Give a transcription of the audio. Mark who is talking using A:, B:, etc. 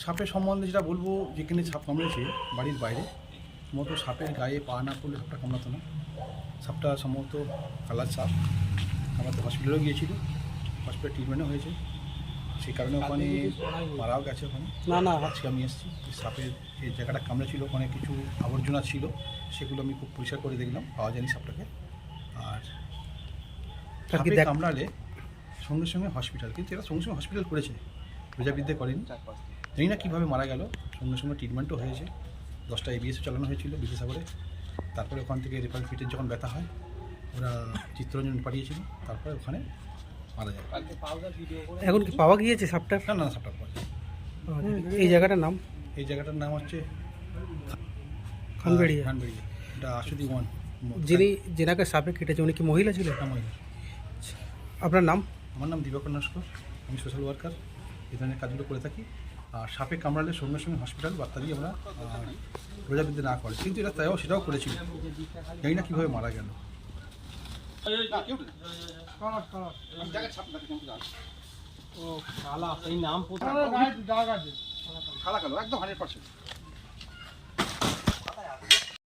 A: সাপের সম্বন্ধে যেটা বলবো, যেখানে সাপ কামড়েছে বাড়ির বাইরে, সম্ভবত সাপের গায়ে পা না পড়লে সাপটা কামড়াতো না। সাপটা সম্ভবত কালার সাপ। আমরা তো হসপিটালেও গিয়েছিল, হসপিটালে ট্রিটমেন্টও হয়েছে, সেই কারণে ওখানে মারাও গেছে। ওখানে
B: না
A: আজকে আমি এসেছি, সাপের যে জায়গাটা কামড়েছিল ওখানে কিছু আবর্জনা ছিল, সেগুলো আমি খুব পরিষ্কার করে দেখলাম, পাওয়া যায়নি সাপটাকে। আর সাপে কামড়ালে সঙ্গে সঙ্গে হসপিটাল, কিন্তু এরা সঙ্গে সঙ্গে হসপিটাল করেছে, প্রজাবিদ্যা করেনি। জানি না কীভাবে মারা গেল, সঙ্গে সঙ্গে ট্রিটমেন্টও হয়েছে। 10টা এবিএসও চালানো হয়েছিল বিদ্যাসাগরে। তারপরে ওখান থেকে রেফারেল ফিটের যখন ব্যথা হয় ওরা চিত্তরঞ্জন পাঠিয়েছিল, তারপরে ওখানে মারা যায়।
B: এখন কি পাওয়া গিয়েছে সাপটা?
A: না সাপটা পাওয়া যায়।
B: এই জায়গাটার নাম?
A: এই জায়গাটার নাম হচ্ছে
B: খানবেড়িয়া।
A: খানবেড়িয়া, এটা আশুদি ওয়ান।
B: যেনাকে সাপে কেটেছে উনি কি মহিলা ছিলেন?
A: মহিলা।
B: আপনার নাম?
A: আমার নাম দিবাকর নস্কর, আমি সোশ্যাল ওয়ার্কার, এই ধরনের কাজগুলো করে থাকি। আর সাপে কামড়ালে সঙ্গে সঙ্গে হসপিটাল বার্তা দিয়ে আমরা প্রজাবিদ্যা না করে, কিন্তু এটা তাইও সেটাও করেছিল, জানি না কীভাবে মারা গেল।
B: ও কালা, সেই নাম
A: কালো একদম 100%।